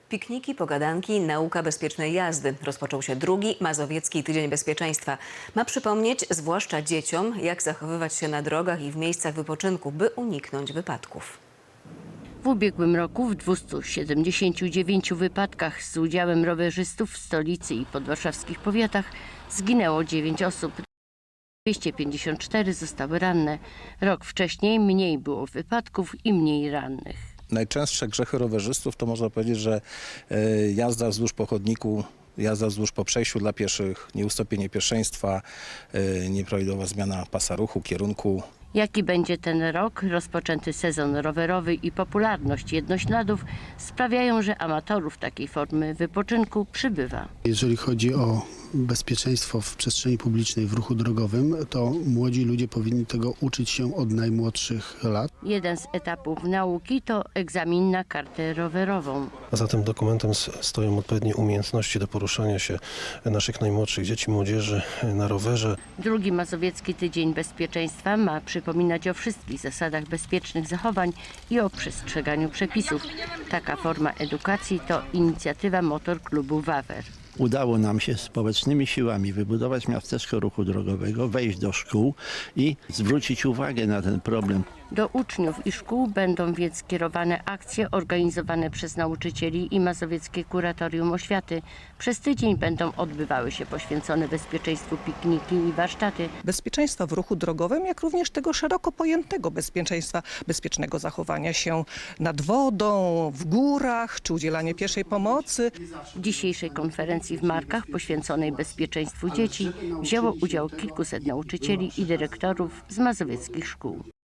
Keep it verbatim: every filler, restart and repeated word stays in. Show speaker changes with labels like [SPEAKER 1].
[SPEAKER 1] Pikniki, pogadanki, nauka bezpiecznej jazdy. Rozpoczął się drugi Mazowiecki Tydzień Bezpieczeństwa. Ma przypomnieć, zwłaszcza dzieciom, jak zachowywać się na drogach i w miejscach wypoczynku, by uniknąć wypadków.
[SPEAKER 2] W ubiegłym roku w dwustu siedemdziesięciu dziewięciu wypadkach z udziałem rowerzystów w stolicy i podwarszawskich powiatach zginęło dziewięć osób. dwieście pięćdziesiąt cztery zostały ranne. Rok wcześniej mniej było wypadków i mniej rannych.
[SPEAKER 3] Najczęstsze grzechy rowerzystów to można powiedzieć, że jazda wzdłuż po chodniku, jazda wzdłuż po przejściu dla pieszych, nieustąpienie pierwszeństwa, nieprawidłowa zmiana pasa ruchu, kierunku.
[SPEAKER 2] Jaki będzie ten rok? Rozpoczęty sezon rowerowy i popularność jednośladów sprawiają, że amatorów takiej formy wypoczynku przybywa.
[SPEAKER 4] Jeżeli chodzi o bezpieczeństwo w przestrzeni publicznej, w ruchu drogowym, to młodzi ludzie powinni tego uczyć się od najmłodszych lat.
[SPEAKER 2] Jeden z etapów nauki to egzamin na kartę rowerową.
[SPEAKER 5] A za tym dokumentem stoją odpowiednie umiejętności do poruszania się naszych najmłodszych dzieci, młodzieży na rowerze.
[SPEAKER 2] Drugi Mazowiecki Tydzień Bezpieczeństwa ma przypominać o wszystkich zasadach bezpiecznych zachowań i o przestrzeganiu przepisów. Taka forma edukacji to inicjatywa Motor Klubu Wawer.
[SPEAKER 6] Udało nam się społecznymi siłami wybudować miasteczko ruchu drogowego, wejść do szkół i zwrócić uwagę na ten problem.
[SPEAKER 2] Do uczniów i szkół będą więc kierowane akcje organizowane przez nauczycieli i Mazowieckie Kuratorium Oświaty. Przez tydzień będą odbywały się poświęcone bezpieczeństwu pikniki i warsztaty.
[SPEAKER 7] Bezpieczeństwa w ruchu drogowym, jak również tego szeroko pojętego bezpieczeństwa, bezpiecznego zachowania się nad wodą, w górach, czy udzielanie pierwszej pomocy.
[SPEAKER 2] W dzisiejszej konferencji w Markach poświęconej bezpieczeństwu dzieci wzięło udział kilkuset nauczycieli i dyrektorów z mazowieckich szkół.